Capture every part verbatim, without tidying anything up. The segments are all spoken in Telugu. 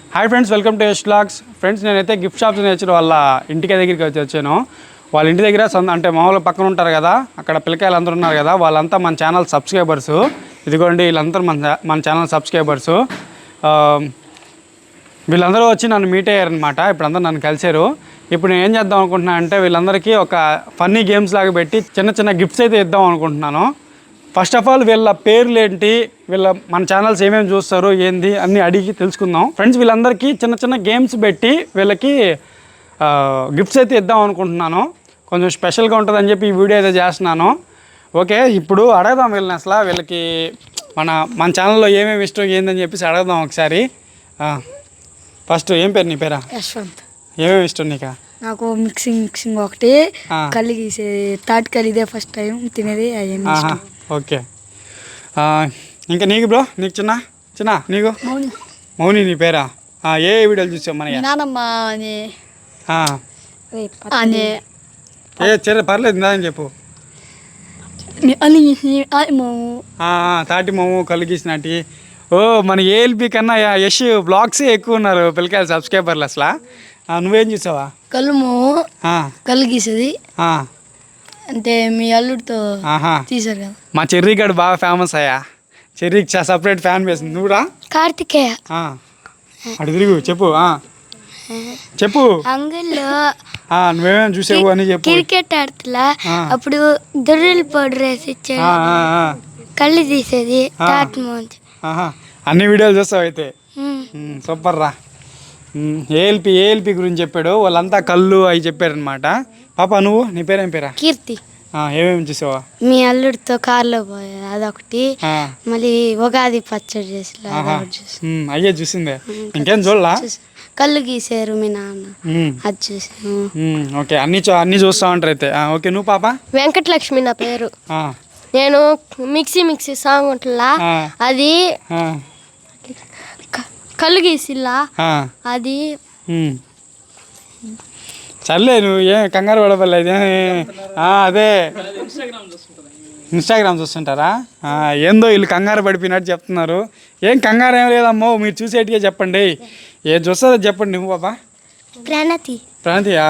Hi friends, welcome to Yash vlogs. Friends, నేనైతే గిఫ్ట్ షాప్స్ నేర్చుకుని వాళ్ళ ఇంటికి దగ్గరికి వచ్చి వచ్చాను. వాళ్ళ ఇంటి దగ్గర అంటే మామూలుగా పక్కన ఉంటారు కదా, అక్కడ పిల్లకాయలు అందరూ ఉన్నారు కదా, వాళ్ళంతా మన ఛానల్ సబ్స్క్రైబర్స్. ఇదిగోండి, వీళ్ళందరూ మన మన ఛానల్ సబ్స్క్రైబర్స్. వీళ్ళందరూ వచ్చి నన్ను మీట్ అయ్యారనమాట. ఇప్పుడు అందరూ నన్ను కలిశారు. ఇప్పుడు నేను ఏం చేద్దాం అనుకుంటున్నాను అంటే, వీళ్ళందరికీ ఒక ఫన్నీ గేమ్స్ లాగా పెట్టి చిన్న చిన్న గిఫ్ట్స్ అయితే ఇద్దాం అనుకుంటున్నాను. ఫస్ట్ ఆఫ్ ఆల్ వీళ్ళ పేర్లు ఏంటి, వీళ్ళ మన ఛానల్స్ ఏమేమి చూస్తారు ఏంది అన్నీ అడిగి తెలుసుకుందాం. ఫ్రెండ్స్, వీళ్ళందరికీ చిన్న చిన్న గేమ్స్ పెట్టి వీళ్ళకి గిఫ్ట్స్ అయితే ఇద్దాం అనుకుంటున్నాను. కొంచెం స్పెషల్గా ఉంటుందని చెప్పి ఈ వీడియో అయితే చేస్తున్నాను. ఓకే, ఇప్పుడు అడగదాం వీళ్ళని అసలు వీళ్ళకి మన మన ఛానల్లో ఏమేమి ఇష్టం ఏందని చెప్పేసి అడగదాం ఒకసారి. ఫస్ట్ ఏం పేరు నీ పేరా? యశ్వంత్. ఏమేమి ఇష్టం నీకా? నాకు మిక్సింగ్ మిక్సింగ్ ఒకటి కళ్ళు గీసే తాటి కళ్ళు ఇదే ఫస్ట్ టైం తినేది. అవన్నీ ఓకే. ఇంకా నీకు బ్రో? నీకు చిన్న చిన్న నీకు? మౌని. మౌని నీ పేరా? ఏ వీడియోలు చూసావు మన? నానమ్మ అని ఏ సరే పర్లేదు, ఇందని చెప్పు. తాటి మమ్ము కళ్ళు గీసినట్టు. ఓ, మన ఏఎల్పి కన్నా యష్ బ్లాగ్సే ఎక్కువ ఉన్నారు పిల్లకాయలు సబ్స్క్రైబర్లు. అసలు నువ్వేం చూసావా? కళ్ళు మమ్ము కళ్ళు గీసేది అంటే మీ అల్లుడితో తీసారు కదా. మా చెర్రీ గడు బాగా ఫేమస్ అయ్యా. చెర్రీకి సపరేట్ ఫ్యాన్ బేస్. నువ్వురా? కార్తికేయ. అటు తిరుగు చెప్పు చెప్పు. అంగుల్లో నువ్వేమేమి చూసావు అని చెప్పు. క్రికెట్ ఆడుతులా అప్పుడు దొర్రెలు పౌడర్ వేసి ఇచ్చాడు, కళ్ళు తీసేది. అన్ని వీడియోలు చూస్తావు అయితే. సూపర్ రా. ఏఎల్పి ఏఎల్పి గురించి చెప్పాడు. వాళ్ళంతా కళ్ళు అవి చెప్పారనమాట. పాప నువ్వు, నీ పేరేం పేరా? కీర్తి. ఏమేమి చూసావా? మీ అల్లుడితో కార్లో పోయేది అదొకటి, మళ్ళీ ఉగాది పచ్చడి చేసి అయ్యే చూసిందే. ఇంకేం చూడలా? కళ్ళు గీసారు మీ నాన్న, అది చూసాను. ఓకే, అన్ని అన్ని చూస్తా ఉంటారు అయితే. ఓకే, నువ్వు పాప? వెంకటలక్ష్మి నా పేరు. నేను మిక్సీ మిక్సీ సాంగ్ ఉంటుందా, అది కళ్ళు గీసిల్లా అది. సర్లే, నువ్వు ఏం కంగారు పడపలేదు. అదే ఇన్స్టాగ్రామ్ చూస్తుంటారా? ఏందో వీళ్ళు కంగారు పడిపోయినట్టు చెప్తున్నారు. ఏం కంగారు ఏం లేదమ్మో, మీరు చూసేటిగా చెప్పండి. ఏం చూస్తుందో చెప్పండి. నువ్వు బాబా? ప్రణతి. ప్రణతియా?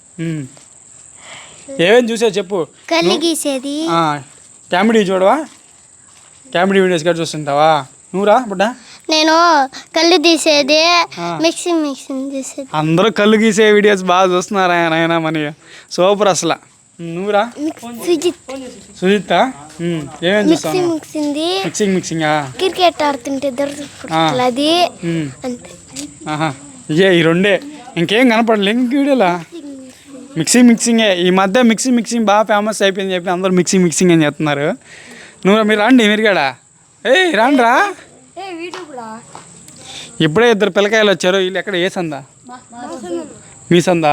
ఏమేమి చూసావు చెప్పు. కళ్ళు గీసేది. కామెడీ చూడవా? కామెడీ వీడియోస్ కూడా చూస్తుంటావా? నువ్వురా బుడ్డా? నేను కళ్ళు తీసేది, మిక్సింగ్ మిక్సింగ్ చేసేది. అందరూ కళ్ళు గీసే వీడియోస్ బాగా చూస్తున్నారు ఆయన. మన సూపర్ అసలు. నువ్వురా? సుజిత్. సుజిత్ ఏమేమి చూస్తావు? మిక్సింగ్ మిక్సింగ్ క్రికెట్ ఆడుతుంటే అది అంతే. ఇదే ఈ రెండే, ఇంకేం కనపడలే ఇంక వీడియోలా. మిక్సింగ్ మిక్సింగే. ఈ మధ్య మిక్సింగ్ మిక్సింగ్ బాగా ఫేమస్ అయిపోయింది చెప్పి అందరూ మిక్సింగ్ మిక్సింగ్ అని చెప్తున్నారు. నువ్వు మీరు రండి, మీరు కూడా ఏయ్ రాండి రా. ఇప్పుడే ఇద్దరు పిల్లకాయలు వచ్చారు. వీళ్ళు ఎక్కడ? ఏ సందా? మీ సందా?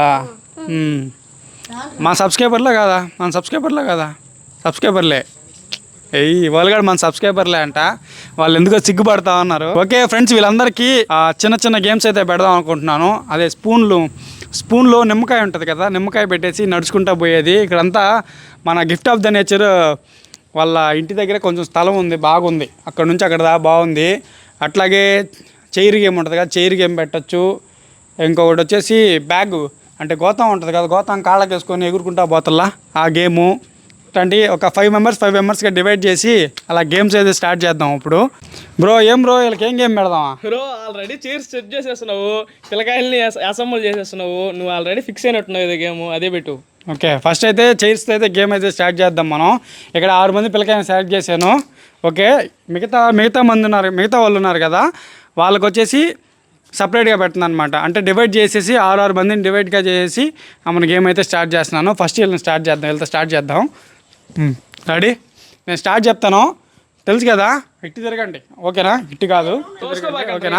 మా సబ్స్క్రైబర్లే కదా? మన సబ్స్క్రైబర్లే కదా? సబ్స్క్రైబర్లే. ఏయ్ వాళ్ళు కూడా మన సబ్స్క్రైబర్లే అంట. వాళ్ళు ఎందుకో సిగ్గుపడతా ఉన్నారు. ఓకే ఫ్రెండ్స్, వీళ్ళందరికీ చిన్న చిన్న గేమ్స్ అయితే పెడదాం అనుకుంటున్నాను. అదే స్పూన్లు స్పూన్లో నిమ్మకాయ ఉంటుంది కదా, నిమ్మకాయ పెట్టేసి నడుచుకుంటా పోయేది. ఇక్కడంతా మన గిఫ్ట్ ఆఫ్ ద నేచర్ వాళ్ళ ఇంటి దగ్గర కొంచెం స్థలం ఉంది, బాగుంది. అక్కడ నుంచి అక్కడ దా బాగుంది. అట్లాగే చైర్ గేమ్ ఉంటుంది కదా, చైర్ గేమ్ పెట్టచ్చు. ఇంకొకటి వచ్చేసి బ్యాగ్ అంటే గోతం ఉంటుంది కదా, గోతం కాళ్ళకి వేసుకొని ఎగురుకుంటా పోతల్లా ఆ గేము. ఇట్లాంటి ఒక ఫైవ్ మెంబర్స్ ఫైవ్ మెంబర్స్గా డివైడ్ చేసి అలా గేమ్స్ అయితే స్టార్ట్ చేద్దాం ఇప్పుడు. బ్రో ఏం బ్రో వీళ్ళకి ఏం గేమ్ పెడదామా? బ్రో ఆల్రెడీ చైర్స్ సెట్ చేసేస్తున్నావు, పిల్లకాయల్ని అసెంబుల్ చేసేస్తున్నావు. నువ్వు ఆల్రెడీ ఫిక్స్ అయినట్టున్నావు ఇది గేమ్, అదే పెట్టు. ఓకే, ఫస్ట్ అయితే చైర్స్తో అయితే గేమ్ అయితే స్టార్ట్ చేద్దాం మనం. ఇక్కడ ఆరు మంది పిల్లకాయని సెలెక్ట్ చేశాను. ఓకే, మిగతా మిగతా మంది ఉన్నారు, మిగతా వాళ్ళు ఉన్నారు కదా, వాళ్ళకి వచ్చేసి సపరేట్గా పెడుతుంది అనమాట. అంటే డివైడ్ చేసేసి ఆరు ఆరు మందిని డివైడ్గా చేసేసి మన గేమ్ అయితే స్టార్ట్ చేస్తున్నాను. ఫస్ట్ వీళ్ళని స్టార్ట్ చేద్దాం, వీళ్ళతో స్టార్ట్ చేద్దాం. రెడీ? నేను స్టార్ట్ చెప్తాను, తెలుసు కదా? ఇట్టి తిరగండి, ఓకేనా? ఇట్టి కాదు, ఓకేనా?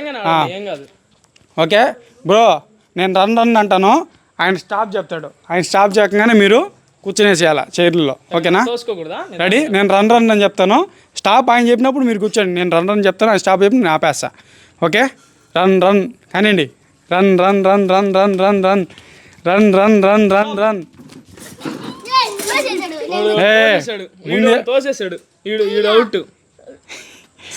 ఓకే బ్రో, నేను రన్ రన్ అంటాను, ఆయన స్టాప్ చెప్తాడు. ఆయన స్టాప్ చేయగానే మీరు కూర్చునేసేయాలి చైర్లలో, ఓకేనా? రెడీ? నేను రన్ రన్ అని చెప్తాను, స్టాప్ ఆయన చెప్పినప్పుడు మీరు కూర్చోండి. నేను రన్ రన్ చెప్తాను, ఆయన స్టాప్ చెప్పి నేను ఆపేస్తా. ఓకే, రన్ రన్ కానివ్వండి. Run run run run run run run run run run run run తోసేసాడు, ఈడు అవుట్.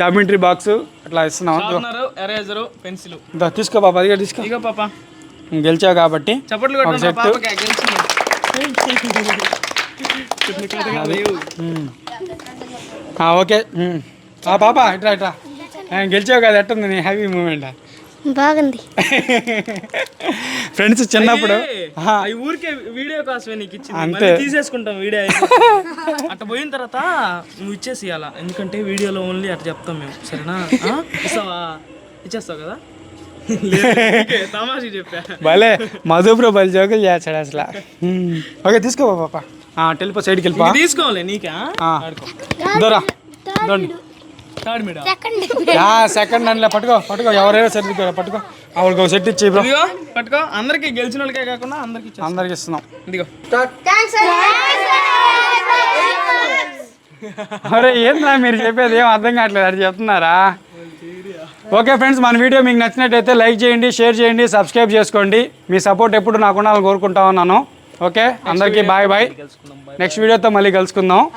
జామెంట్రీ బాక్స్ అట్లా ఇస్తున్నాం. Sharpener, eraser, pencil. ఇదో తీసుకో పాప, అదిగా తీసుకో. ఇగో పాప గెలిచావు కాబట్టి చప్పట్లు ఒక కొట్టండి సెట్. పాపకి గెలిచింది. ఓకే ఆ పాప ఇట్రా ఇట్రా గెలిచావు కదా, ఎట్టుంది నీ హ్యాపీ మూమెంట్? బాగుంది. ఫ్రెండ్స్ చిన్నప్పుడు ఆహా, ఈ ఊరికే వీడియో కోసమే నీకు ఇచ్చింది, అంతే. మళ్ళీ తీసేసుకుంటాం వీడియో అట్ట పోయిన తర్వాత నువ్వు ఇచ్చేసి ఇవ్వాలా, ఎందుకంటే వీడియోలో ఓన్లీ అట్లా చెప్తాం మేము, సరేనా? ఆ? ఇస్తావా? ఇచ్చేస్తావు కదా? తమాషి చెప్పా. భలే మధుప్రో బలి జోకులు చేస్తాడు అసలు. ఓకే తీసుకో పాప, వెళ్ళిపో సైడ్కి వెళ్ళిపో. ఇది తీసుకోవాలి నీకా? ఆడుకో. దూరా దొండి థర్డ్ మీడా? సెకండ్ అండ్లే పట్టుకో పట్టుకో, ఎవరైనా సర్దుకో పట్టుకో. ఆవిడకి ఒక సెట్ ఇచ్చి బ్రో. ఇదిగో పట్టుకో, అందరికి గెలిచిన వాళ్ళకే కాకుండా అందరికి ఇచ్చేస్తా. అందరికి ఇస్తున్నాం. ఇదిగో. అరే ఏంద్రా మీరు చెప్పేది ఏం అర్థం కావట్లేదు, అది చెప్తున్నారా? ఓకే ఫ్రెండ్స్, మన వీడియో మీకు నచ్చినట్టయితే లైక్ చేయండి, షేర్ చేయండి, సబ్స్క్రైబ్ చేసుకోండి. మీ సపోర్ట్ ఎప్పుడు నాకు ఉండాలని కోరుకుంటా ఉన్నాను. ఓకే అందరికీ బాయ్ బాయ్. నెక్స్ట్ వీడియోతో మళ్ళీ కలుసుకుందాం.